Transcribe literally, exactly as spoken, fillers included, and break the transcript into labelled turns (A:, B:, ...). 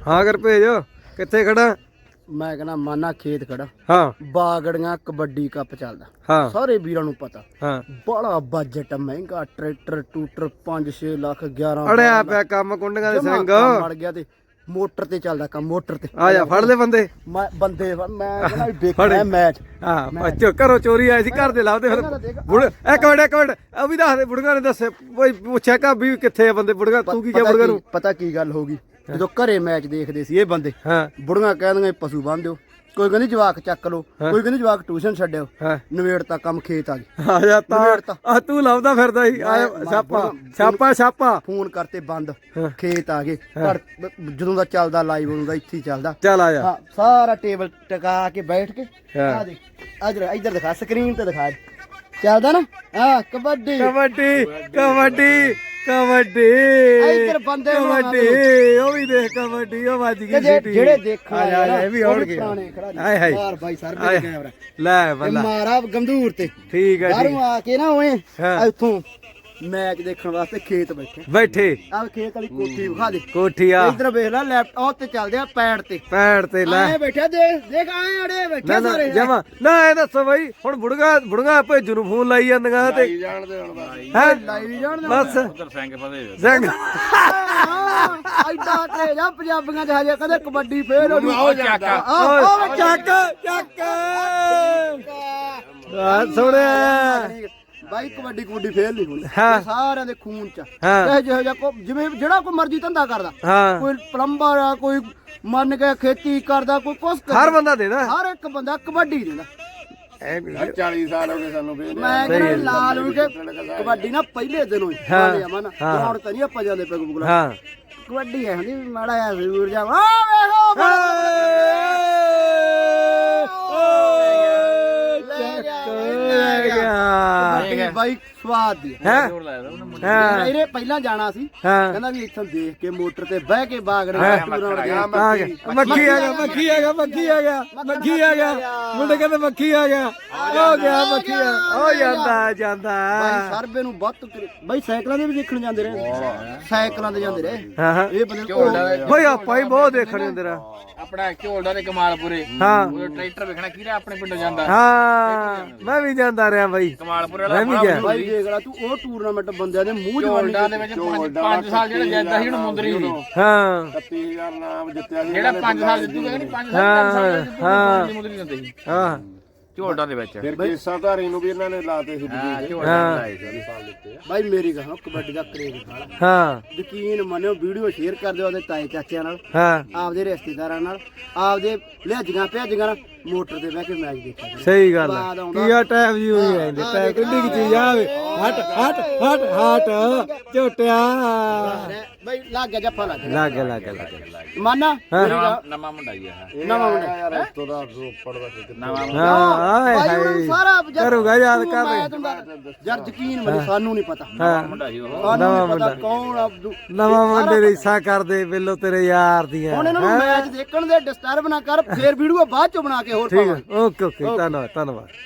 A: ਹਾਂ ਕਰ ਭੇਜ ਕਿੱਥੇ ਖੜਾ
B: ਮੈਂ ਕਹਿੰਦਾ ਮਾਨਾ ਖੇਤ ਖੜਾ
A: ਹਾਂ
B: ਬਾਗੜੀਆਂ ਕਬੱਡੀ ਕੱਪ ਚੱਲਦਾ
A: ਹਾਂ
B: ਸਾਰੇ ਵੀਰਾਂ ਨੂੰ ਪਤਾ
A: ਹਾਂ
B: ਬੜਾ ਬਜਟ ਮਹਿੰਗਾ ਟਰੈਕਟਰ ਟੂਟਰ ਪੰਜ ਛੇ ਲੱਖ ਗਿਆਰਾਂ
A: ਅੜਿਆ ਪਿਆ ਕੰਮ ਕੁੰਡੀਆਂ ਦੇ ਸਿੰਘ
B: ਮੜ ਗਿਆ ਤੇ ਮੋਟਰ ਤੇ ਚੱਲਦਾ ਕੰਮ ਮੋਟਰ ਤੇ
A: ਆ ਜਾ ਫੜ ਲੈ ਬੰਦੇ
B: ਮੈਂ ਬੰਦੇ ਫੜ- ਮੈਂ ਕਹਿੰਦਾ ਵੀ ਦੇਖਣਾ ਮੈਚ
A: ਹਾਂ ਬੱਚੋ ਘਰੋਂ ਚੋਰੀ ਆਈ ਸੀ ਘਰ ਦੇ ਲਾਉਂਦੇ ਫਿਰ ਬੁੜ ਇੱਕ ਮਿੰਟ ਇੱਕ ਮਿੰਟ ਆ ਵੀ ਦੱਸ ਦੇ ਬੁੜੀਆਂ ਨੇ ਦੱਸੇ ਕੋਈ ਪੁੱਛਿਆ ਕਾ ਵੀ ਕਿੱਥੇ ਆ ਬੰਦੇ ਬੁੜੀਆਂ ਤੂੰ ਕੀ ਕਿਹਾ
B: ਪਤਾ
A: ਬੁੜੀਆਂ ਨੂੰ
B: ਕੀ- ਪਤਾ ਕੀ ਗੱਲ ਹੋ ਗਈ ਜਦੋਂ ਘਰੇ ਮੈਚ ਦੇਖਦੇ ਸੀ ਇਹ ਬੰਦੇ
A: ਹਾਂ
B: ਬੁੜੀਆਂ ਕਹਿੰਦੀਆਂ ਪਸ਼ੂ ਬੰਨ ਦਿਓ ਕੋਈ ਕਹਿੰਦੀ ਜਵਾਕ ਚੱਕ ਲਓ ਕੋਈ ਕਹਿੰਦੀ ਜਵਾਕ ਟਿਊਸ਼ਨ ਛੱਡਿਓ
A: ਹਾਂ
B: ਨਵੇੜ ਤਾਂ ਕੰਮ ਖੇਤ ਆ ਗਈ
A: ਆ ਜਾ
B: ਨਵੇੜ
A: ਤਾਂ
B: ਤਾਂ।
A: ਆ ਤੂੰ ਲਾਉਂਦਾ ਫਿਰਦਾ ਸੀ ਆ ਛਾਪਾ ਛਾਪਾ ਛਾਪਾ
B: ਫੋਨ ਕਰਤੇ ਬੰਦ
A: ਹਾਂ।
B: ਖੇਤ ਆ ਗਏ ਘਰ ਜਦੋਂ ਦਾ ਚੱਲਦਾ ਲਾਈਵ ਹੁੰਦਾ ਇੱਥੇ ਹੀ ਚੱਲਦਾ
A: ਚੱਲ ਆ ਜਾ
B: ਹਾਂ ਸਾਰਾ ਟੇਬਲ ਟਕਾ ਕੇ ਬੈਠ ਕੇ
A: ਹਾਂ।
B: ਆ ਦੇ ਇਧਰ ਇਧਰ ਦਿਖਾ ਸਕਰੀਨ ਤੇ ਦਿਖਾ ਚੱਲਦਾ ਨਾ ਹਾਂ ਕਬੱਡੀ
A: ਕਬੱਡੀ ਕਬੱਡੀ ਕਬੱਡੀ
B: ਇੱਧਰ ਬੰਦੇ ਬਣਾ
A: ਕਬੱਡੀ ਉਹ ਵੀ ਦੇਖ ਕਬੱਡੀ ਉਹ ਵੱਜ ਗਈ
B: ਤੇ ਜੇ-
A: ਸੀਟੀ
B: ਜਿਹੜੇ ਦੇਖਣ
A: ਆ ਜਾ, ਆ ਜਾ, ਇਹ ਵੀ ਆਉਣਗੇ ਹਾਏ ਹਾਏ
B: ਯਾਰ ਬਾਈ ਸਰ
A: ਹਾਏ।
B: ਮੇਰੇ ਕੈਮਰਾ
A: ਲੈ
B: ਇਹ
A: ਬੱਲਾ
B: ਮਾਰਾ ਗੰਦੂਰ ਤੇ
A: ਠੀਕ ਹੈ ਠੀਕ
B: ਬਾਹਰੋਂ ਆ ਕੇ ਨਾ ਓਏ
A: ਹਾਂ।
B: ਇੱਥੋਂ ਮੈਚ ਦੇਖਣ ਵਾਸਤੇ ਖੇਤ ਬੈਠੇ
A: ਬੈਠੇ
B: ਆ ਖੇਤ ਵਾਲੀ ਕੋਠੀ ਵਿਖਾ ਦੇ
A: ਕੋਠੀ ਆ
B: ਇਧਰ ਵੇਖ ਲੈ ਲੈਪਟਾਪ ਤੇ ਚੱਲਦੇ ਆ ਪੈਡ ਤੇ
A: ਪੈੜ ਤੇ ਲੈ
B: ਆਏ ਬੈਠੇ ਦੇਖ ਦੇਖ ਆਏ ਅੜੇ
A: ਨਾ
B: ਬੈਠੇ
A: ਨਾ
B: ਸਾਰੇ
A: ਜਮਾ ਨਾ ਇਹ ਦੱਸੋ ਬਈ ਹੁਣ ਬੁੜਗਾ ਬੁੜਗਾ ਭੇਜੂ ਨੂੰ ਫੋਨ ਲਾਈ ਜਾਂਦੀਆਂ ਤੇ
C: ਜਾਣਦੇ ਹੁਣ ਬਾਈ
A: ਹੈ
B: ਲਾਈਵ ਜਾਣ
A: ਬਸ
C: ਉਧਰ ਸਿੰਘ ਫਦੇ
A: ਸਿੰਘ
B: ਐਡਾ ਤੇ ਜਾ ਪੰਜਾਬੀਆਂ ਚ ਹਜੇ ਕਦੇ ਕਬੱਡੀ ਫੇਰ ਹੋ
C: ਆਓ ਚਾਕਾ
B: ਆਹ
A: ਚੱਕ ਚੱਕ ਆ ਸੁਣਿਆ
B: ਬਾਈ ਕਬੱਡੀ ਕਬੱਡੀ ਫੇਰ ਨਹੀਂ ਹੋਣੀ
A: ਹਾਂ।
B: ਇਹ ਸਾਰਿਆਂ ਦੇ ਖੂਨ ਚ
A: ਹਾਂ।
B: ਚਾਹੇ ਜਿਹੋ ਜਿਹਾ ਕੋ ਜਿਵੇਂ ਜਿਹੜਾ ਕੋਈ ਮਰਜ਼ੀ ਧੰਦਾ ਕਰਦਾ
A: ਹਾਂ
B: ਕੋਈ ਪਲੰਬਰ ਆ ਕੋਈ ਮੰਨ ਕੇ ਖੇਤੀ ਕਰਦਾ ਕੋਈ ਕੁਛ ਕਰਦਾ
A: ਹਰ ਬੰਦਾ ਦੇਦਾ
B: ਹਰ ਇੱਕ ਬੰਦਾ ਕਬੱਡੀ ਦਿੰਦਾ
A: ਐ ਵੀ
C: ਚਾਲੀ ਸਾਲ ਹੋ ਗਏ ਸਾਨੂੰ ਫੇਰ
B: ਮੈਂ ਕਹਿੰਦਾ ਲਾਲ ਵੀ ਕੇ ਕਬੱਡੀ ਨਾ ਪਹਿਲੇ ਦਿਨੋਂ ਹੀ
A: ਹਾਂ।
B: ਹਾਂ ਮਨ
A: ਹਾਂ।
B: ਗਰਾਊਂਡ ਤੇ ਨਹੀਂ ਆਪਾਂ ਜਾਂਦੇ ਪੈਗ ਬੁਗਲਾ
A: ਹਾਂ
B: ਕਬੱਡੀ ਐ ਹੁੰਦੀ ਵੀ ਮਾੜਾ ਜਿਹਾ ਜ਼ਰੂਰ ਜਾ ਆ ਵੇਖੋ ਕਬੱਡੀ ਬਾਈ ਸਵਾਦ ਦੀ
A: ਹੈ
C: ਜੋਰ ਲਾਇਆ ਉਹਨੇ ਮੁੰਡੇ
A: ਹਾਂ
B: ਇਹਨੇ ਪਹਿਲਾਂ ਜਾਣਾ ਸੀ
A: ਹਾਂ
B: ਕਹਿੰਦਾ ਵੀ ਇੱਥੋਂ ਦੇਖ ਕੇ ਮੋਟਰ ਤੇ ਬਹਿ ਕੇ ਬਾਗੜ
A: ਹਾਂ।
B: ਟੂਰਾਂ ਦੇ
A: ਆ ਗਿਆ ਮੱਖੀ ਆ ਗਿਆ ਮੱਖੀ ਆ ਗਿਆ ਮੱਖੀ ਆ ਗਿਆ ਮੱਖੀ ਆ ਗਿਆ ਮੁੰਡੇ ਕਹਿੰਦੇ ਮੱਖੀ ਆ ਗਿਆ ਹੋ ਗਿਆ ਮੱਖੀ ਆ ਹੋ ਜਾਂਦਾ ਜਾਂਦਾ
B: ਬਾਈ ਸਰਬੇ ਨੂੰ ਵੱਤ ਤੁਰੇ- ਬਾਈ ਸਾਈਕਲਾਂ ਦੇ ਵੀ ਦੇਖਣ ਜਾਂਦੇ ਰਹੇ ਸਾਈਕਲਾਂ ਤੇ ਜਾਂਦੇ ਰਹੇ
A: ਹਾਂ ਹਾਂ
B: ਇਹ ਬੰਦੇ
A: ਬਈ ਆਪਾਂ ਹੀ ਬਹੁਤ ਦੇਖਣੇ ਹੁੰਦੇ ਰਾ
C: ਆਪਣਾ ਝੋਲਦਾ ਤੇ ਕਮਾਲਪੁਰੇ
A: ਹਾਂ
C: ਉਹ ਟਰੈਕਟਰ ਵੇਖਣਾ ਕਿਹੜਾ ਆਪਣੇ ਪਿੰਡੋਂ ਜਾਂਦਾ
A: ਹਾਂ ਮੈਂ ਵੀ ਜਾਂਦਾ ਰਿਹਾ ਬਾਈ
C: ਕਮਾਲਪੁਰੇ
A: ਮੈਂ
C: ਵਾਲਾ
A: ਵੀ ਗਿਆ
B: ਬਾਈ ਦੇਖ ਲੈ ਤੂੰ ਉਹ ਟੂਰਨਾਮੈਂਟ ਬੰਦਿਆਂ ਦੇ ਮੂੰਹ
C: ਝੋਲਦਾ
B: ਜਵਾਨੀ
C: ਦੇ ਵਿੱਚ ਪੰਜ ਸਾਲ ਜਿਹੜਾ ਜਾਂਦਾ ਸੀ ਉਹਨੂੰ ਮੁੰਦਰੀ ਸੀ
A: ਹਾਂ
C: ਇਕੱਤੀ ਹਜ਼ਾਰ ਨਾਮ ਜਿੱਤਿਆ ਸੀ ਜਿਹੜਾ ਪੰਜ ਸਾਲ ਜਿੱਤੂਗਾ ਨਹੀਂ ਪੰਜ ਸਾਲ
A: ਹਾਂ,
C: ਪੰਜ ਸਾਲ ਜਿੱਤੂਗਾ
A: ਹਾਂ।
C: ਮੁੰਦਰੀ ਦਿੰਦੇ ਸੀ
A: ਹਾਂ
C: ਝੋਲਦਾ ਦੇ ਵਿੱਚ
D: ਫਿਰ ਕੇਸਾਂ ਧਾਰੀ ਨੂੰ ਵੀ ਇਹਨਾਂ ਨੇ ਲਾਤੇ ਸੀ
C: ਹਾਂ
D: ਬਜੀਤ
C: ਝੋਲਦਾ
A: ਹਾਂ।
C: ਲਾਏ ਸੀ
B: ਬਾਈ ਮੇਰੀ ਕਹਾਂ ਕਬੱਡੀ ਦਾ ਕਰੇਜ਼ ਖਾਲਾ
A: ਹਾਂ
B: ਯਕੀਨ ਮੰਨਿਓ ਵੀਡੀਓ ਸ਼ੇਅਰ ਕਰ ਦਿਓ ਉਹਦੇ ਤਾਏ ਚਾਚਿਆਂ ਨਾਲ
A: ਹਾਂ
B: ਆਪਦੇ ਰਿਸ਼ਤੇਦਾਰਾਂ ਨਾਲ ਆਪਦੇ ਲਿਹਾਜੀਆਂ ਭਿਆਜੀਆਂ ਨਾਲ ਮੋਟਰ ਤੇ ਬਹਿ ਕੇ ਮੈਚ ਦੇਖਿਆ ਕਰੋ।
A: ਸਹੀ ਗੱਲ
B: ਬਾਦ
A: ਹੈ
B: ਆਉਂਦਾ।
A: ਕੀ ਆ ਟਾਈਮ ਜੀ ਹੋਈ ਜਾਂਦੇ ਟਾਈਮ ਕਿੰਨੀ ਕੀ ਚੀਜ਼ ਆਵੇ ਹਟ ਹਟ ਹਟ ਹਟ ਝੋਟਿਆ
B: ਬਾਈ ਲੱਗ ਗਿਆ ਜੱਫਾ ਲੱਗ ਗਿਆ
A: ਲੱਗ ਗਿਆ ਲੱਗ ਗਿਆ ਲੱਗ ਗਿਆ
B: ਮਾਨਾ ਮੇਰੀ
C: ਨਵਾਂ
B: ਗੱਲ-
C: ਨਵਾਂ ਮੁੰਡਾ ਹੀ ਆ
B: ਨਵਾਂ ਮੁੰਡਾ
D: ਯਾਰ ਇਸ ਤੋਂ ਦਾ ਰੋਪੜ ਦਾ ਕਿਤੇ
C: ਨਵਾਂ
A: ਹਾਂ ਹਾਏ
B: ਬਾਈ ਹੁਣ
A: ਹਾਏ
B: ਸਾਰਾ ਜਦ
A: ਕਰੂਗਾ ਯਾਦ
B: ਤੂੰ
A: ਕਰ
B: ਮੈਂ
A: ਲੈ
B: ਤੁਹਾਨੂੰ ਦੱਸ- ਯਾਰ ਯਕੀਨ ਮੰਨ ਸਾਨੂੰ ਨਹੀਂ ਪਤਾ
A: ਹਾਂ
C: ਮੁੰਡਾ ਸੀ ਉਹ
B: ਸਾਨੂੰ
A: ਨਵਾਂ
B: ਨਹੀਂ ਪਤਾ
A: ਮੁੰਡਾ।
B: ਕੌਣ ਅਬਦੂ
A: ਨਵਾਂ ਮੁੰਡੇ ਦੀ ਹਿੱਸਾ ਕਰਦੇ ਬਿੱਲੋ ਤੇਰੇ ਯਾਰ ਦੀਆਂ
B: ਹੁਣ ਇਹਨਾਂ ਨੂੰ ਮੈਚ ਦੇਖਣ ਦੇ ਡਿਸਟਰਬ ਨਾ ਕਰ ਫੇਰ ਵੀਡੀਓ ਬਾਅਦ ਚ ਬਣਾ ਕੇ ਹੋਰ
A: ਠੀਕ
B: ਪਾਵਾਂਗੇ
A: ਹੈ ਓਕੇ ਓਕੇ ਧੰਨਵਾਦ ਧੰਨਵਾਦ